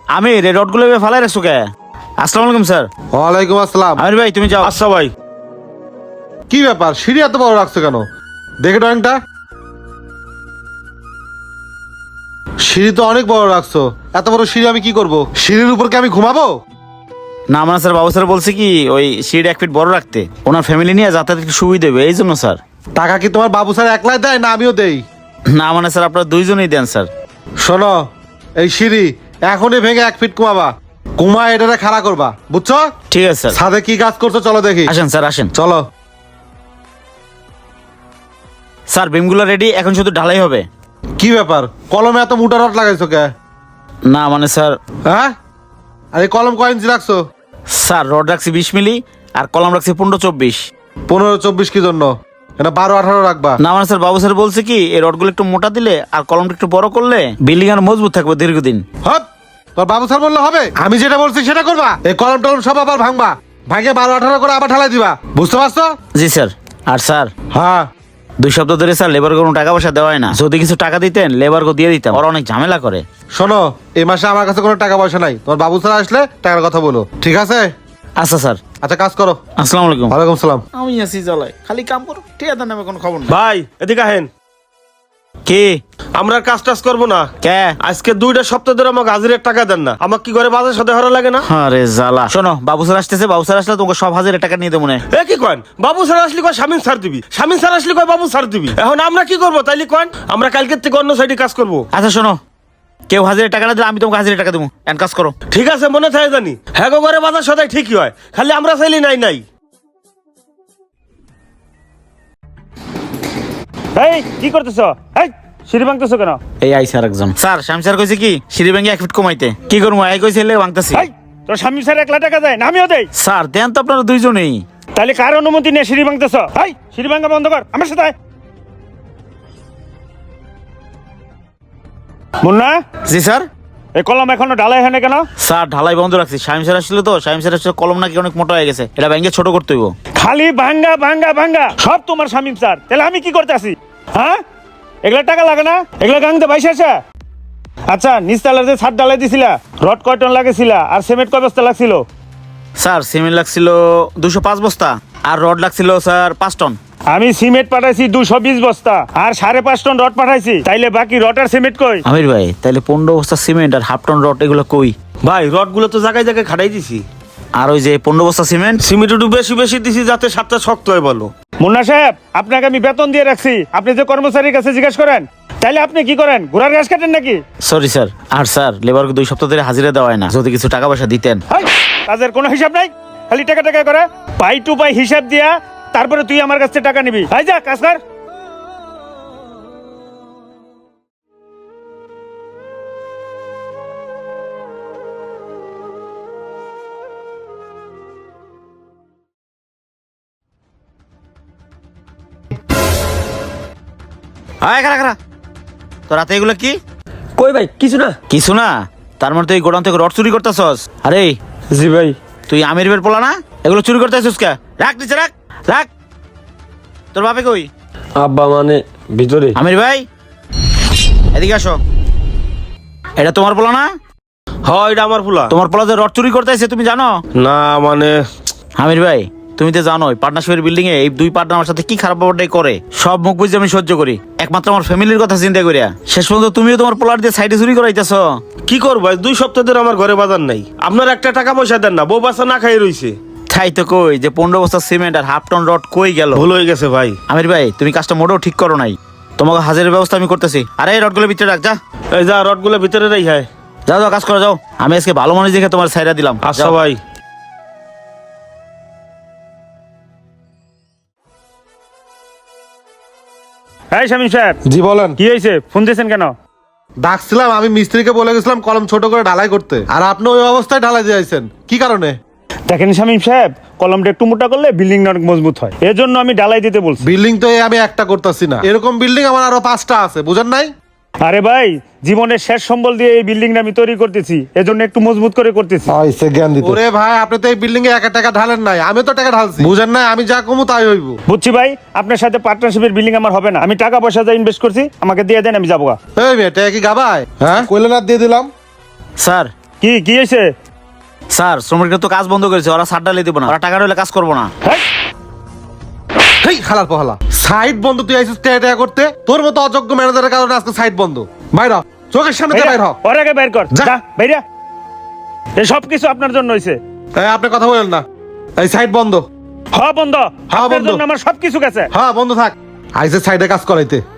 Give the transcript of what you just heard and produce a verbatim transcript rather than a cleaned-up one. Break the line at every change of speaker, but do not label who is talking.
আমি রে রডগুলো ফালাই রাখছো কে? আসসালামু আলাইকুম স্যার।
ওয়ালাইকুম আসসালাম।
আমির ভাই তুমি যাও।
আচ্ছা ভাই।
কি ব্যাপার, সিঁড়ি এত বড় রাখছো কেন? দেখে ড্রয়িংটা। সিঁড়ি তো অনেক বড় রাখছো, এত বড় সিঁড়ি আমি কি করব? সিঁড়ির উপর কি আমি ঘুমাবো?
না মানে স্যার, বাবু স্যার বলছে কি ওই সিঁড়ি এক ফিট বড় রাখতে, ওনার ফ্যামিলি নিয়ে যাতায়াত একটু সুবিধা দেবে এই জন্য স্যার।
টাকা কি তোমার বাবু স্যার একলাই দেয় না আমিও দেই?
না মানে স্যার, আপনারা দুইজনেই দেন স্যার।
শোনো, এই সিঁড়ি এখনই ভেঙে এক ফিট কমাবা, কুমা এটারে খাড়া করবা, বুঝছো?
ঠিক আছে স্যার।
ছাদে কি কাজ করছো চলো দেখি।
আসেন স্যার আসেন।
চলো।
স্যার বিমগুলো রেডি, এখন শুধু ঢালাই হবে।
কি ব্যাপার, কলমে এত মোটা রড লাগাইছো কে?
না মানে স্যার।
হ্যাঁ, আর এই কলম কয় ইঞ্চি রাখছো?
স্যার রড রাখছি বিশ মিলি আর কলম রাখছি পনেরো চব্বিশ।
পনেরো চব্বিশ কি জন্য? এটা বারো আঠারো রাখবা।
না মানে স্যার, বাবু স্যার বলছে কি এই রডগুলো একটু মোটা দিলে আর কলমটা একটু বড় করলে বিল্ডিং আর মজবুত থাকবে দীর্ঘদিন।
হপ, তোর বাবু স্যার বললে হবে? আমি যেটা বলছি সেটা করবা। এই কলম টলম সব আবার ভাঙবা, ভাঙে বারো আঠারো করে আবার ঢালাই দিবা, বুঝতে পারছো?
জি স্যার। আর স্যার
হ্যাঁ,
দুই সপ্তাহ ধরে স্যার লেবার কোনো টাকা পয়সা দেওয়া হয় না, যদি কিছু টাকা দিতেন লেবারকে দিয়ে দিতাম, ওরা অনেক ঝামেলা করে।
শোনো, এই মাসে আমার কাছে কোনো টাকা পয়সা নাই, তোমার বাবু স্যার আসলে টাকার কথা বলো, ঠিক আছে?
আচ্ছা স্যার।
আচ্ছা কাজ করো।
আসসালামু আলাইকুম।
ওয়ালাইকুম সালাম।
আমি আছি জ্বালায়, খালি কাম করো, ঠিক আছে নামে কোনো খবর না।
ভাই এদিকে আহেন।
কি
আমরা আর কাজ টাজ করবো না।
কে?
আজকে দুইটা সপ্তাহ ধরে আমাকে হাজিরের টাকা দেন না। আমাকে কি করে বাজার সাথে হরা লাগে না?
আরে জ্বালা। শোনো, বাবু স্যার আসতেছে, বাবু স্যার আসলে তোমাকে সব হাজারের টাকা নিয়ে দেবো মনে।
এ কি কয়েন? বাবু স্যার আসলে কয় স্বামীন স্যার দিবি, স্বামীন স্যার আসলে কয় বাবু স্যার দিবি। এখন আমরা কি করবো তাইলে কয়েন? আমরা কালকের থেকে অন্য সাইডে কাজ করবো।
আচ্ছা শোনো, কেউ হাজারের টাকা না দিলে আমি তোমাকে হাজারের টাকা দেবো, এন্ড কাজ করো।
ঠিক আছে, মনে থাকে জানি। হ্যাঁ গো, ঘরে বাজার সদাই ঠিকই হয়, খালি আমরা চাইলি নাই নাই।
এই কি করতেছ? এই সিঁড়ি ভাঙতেছো কেন?
এই আইসি আর একজন। স্যার শাম স্যার কইছে কি সিঁড়ি ভেঙে এক ফিট কমাইতে, কি করবো এই কইছে এলে ভাঙতেছি।
এই তোর স্বামী স্যার এক লাখ টাকা দেয় না আমিও দেই?
স্যার দেন তো আপনারা দুইজনেই।
তাহলে কার অনুমতি নিয়ে সিঁড়ি ভাঙতেছ? এই সিঁড়ি ভাঙা বন্ধ কর, আমার সাথে আয়। মুন্না,
জি স্যার।
এই কলম এখনো ঢালাই হয় না কেন?
স্যার ঢালাই বন্ধ রাখছি, শামিম স্যার আসছিল তো, শামিম স্যার আসলে কলম নাকি অনেক মোটা হয়ে গেছে, এটা ভেঙে ছোট করতে হইব।
খালি ভাঙ্গা ভাঙ্গা ভাঙ্গা সব তোমার স্বামী স্যার, তাহলে আমি কি করতে আসি? হ্যাঁ, এগুলা টাকা লাগে না? এগুলা গাংতে বাইসে আসা। আচ্ছা, নিচতলার যে ছাদ ঢালাই দিছিলা, রড কয় টন লাগেছিলা আর সিমেন্ট কয় বস্তা লাগছিল?
স্যার সিমেন্ট লাগছিল দুশো পাঁচ বস্তা আর রড লাগছিল স্যার পাঁচ টন।
আমি সিমেন্ট পাঠাইছি দুশো বিশ বস্তা আর সাড়ে পাঁচ টন রড পাঠাইছি, তাইলে বাকি রড আর সিমেন্ট কই?
আমির ভাই তাহলে পনেরো বস্তা সিমেন্ট আর হাফ টন রড এগুলো কই?
ভাই রড গুলো তো জায়গায় জায়গায় খাটাই দিছি,
আর ওই যে পনেরো বস্তা সিমেন্ট
সিমেন্ট একটু বেশি বেশি দিছি যাতে সাতটা শক্ত হয় বলো।
মুন্না সাহেব, আপনাকে আমি বেতন দিয়ে রাখছি, আপনি যে কর্মচারীর কাছে জিজ্ঞেস করেন। তাইলে আপনি কি করেন, ঘোড়ার ঘাস কাটেন নাকি?
Sorry sir. আর স্যার লেবারকে দুই সপ্তাহ ধরে হাজিরা দেওয়া হয় না, যদি কিছু টাকা পয়সা দিতেন।
হাই, কাজের কোনো হিসাব নাই, খালি টাকা টাকা করে পাই টু পাই হিসাব দিয়া তারপরে তুই আমার কাছ থেকে টাকা নিবি। হাই যা কাজ কর।
আয় খারা খারা, তো রাতে এগুলো কি?
কই ভাই কিছু না।
কিছু না? তার মানে তুই গোডাউন থেকে রড চুরি করতেছস? আরে
জি ভাই।
তুই আমির বের পোলা না, এগুলো চুরি করতেছিস কে? রাখ নিচে রাখ, রাখ। তোর বাপে কই?
আব্বা মানে ভিতরে।
আমির ভাই এদিকে আসো। এটা তোমার পোলা না?
হয় এটা আমার ফুলা।
তোমার পোলা যে রড চুরি করতেছে তুমি জানো?
না মানে
আমির ভাই তুমি তো জানোই পার্টনারশিপের বিল্ডিং এ এই দুই পার্টনার আমার সাথে কি খারাপ ব্যাপারটাই করে, সব মুখ বুঝে আমি সহ্য করি, একমাত্র আমার ফ্যামিলির কথা চিন্তা করিয়া। শেষ পর্যন্ত তুমিও তোমার পোলার দিয়ে সাইডে চুরি করাইতেছো।
কি করবো, দুই সপ্তাহ ধরে আমার ঘরে বাজার নাই, আপনার একটা টাকা পয়সা দেন না, বউ বাচ্চা না খাই রইছে।
তাই তো কই যে পনেরো বস্তা সিমেন্ট আর হাফ টন রড কই গেল?
ভুল হয়ে গেছে ভাই।
আমির ভাই তুমি কাজটা মোটেও ঠিক করো নাই, তোমাকে হাজারের ব্যবস্থা আমি করতেছি। আরে এই রডগুলো ভিতরে রাখ, যা
এই যা রড গুলো ভিতরে রাই। হ্যাঁ
যাও যাও কাজ করে যাও, আমি আজকে ভালো মানুষ দেখে তোমার সাইডা দিলাম।
আচ্ছা
যাও।
ভাই।
এই স্বামী সাহেব,
জি বলেন।
কি হয়েছে, ফোন দিয়েছেন কেন?
ডাকছিলাম, আমি মিস্ত্রিকে বলে গেছিলাম কলম ছোট করে ঢালাই করতে, আর আপনি ওই অবস্থায় ঢালাই দিয়েছেন, কি কারণে?
দেখেন শামীম সাহেব, কলমটা একটু মোটা করলে বিল্ডিং অনেক মজবুত হয়, এজন্য আমি ঢালাই দিতে বলছি।
বিল্ডিং তো এই আমি একটা করতেছি না, এরকম বিল্ডিং আমার আরো পাঁচটা আছে, বুঝেন নাই?
আরে ভাই, জীবনের শেষ সম্বল দিয়ে এই বিল্ডিংটা আমি তৈরি করতেছি, এজন্য একটু মজবুত করে করতেছি।
ওরে ভাই, আপনি তো এই বিল্ডিং এ একা টাকা ঢালেন নাই, আমি তো টাকা ঢালছি, বুঝেন নাই? আমি যা কমু তাই হইব।
বুঝছি ভাই, আপনার সাথে পার্টনারশিপের বিল্ডিং আমার হবে না, আমি টাকা পয়সা যা ইনভেস্ট করছি আমাকে দিয়ে দেন, আমি যাবো।
এই মেয়ে টাকা কি গাবায়? হ্যাঁ কইলেন আর দিয়ে দিলাম।
স্যার
কি কি হয়েছে?
স্যার শ্রমিকরা তো কাজ বন্ধ করেছে, ওরা সার ডালে দিব না, ওরা টাকা রইলে কাজ করবো না।
হেই,
হেই হালার পহালা, সাইট বন্ধ তুই আইছিস টাকা টাকা করতে? তোর মতো অযোগ্য ম্যানেজারের কারণে আজকে সাইট বন্ধ। বাইরা চোখের সামনে থেকে বাইর হ।
ওর আগে বের কর,
যা।
যা বাইরা। এই সব কিছু আপনার জন্য হয়েছে।
এই, আপনি কথা বলেন না, এই সাইট বন্ধ।
হ বন্ধ,
হ্যাঁ,
আপনার
বন্ধ।
জন্য আমার সব কিছু গেছে।
হ্যাঁ বন্ধ থাক, আইসে সাইডে কাজ করাইতে।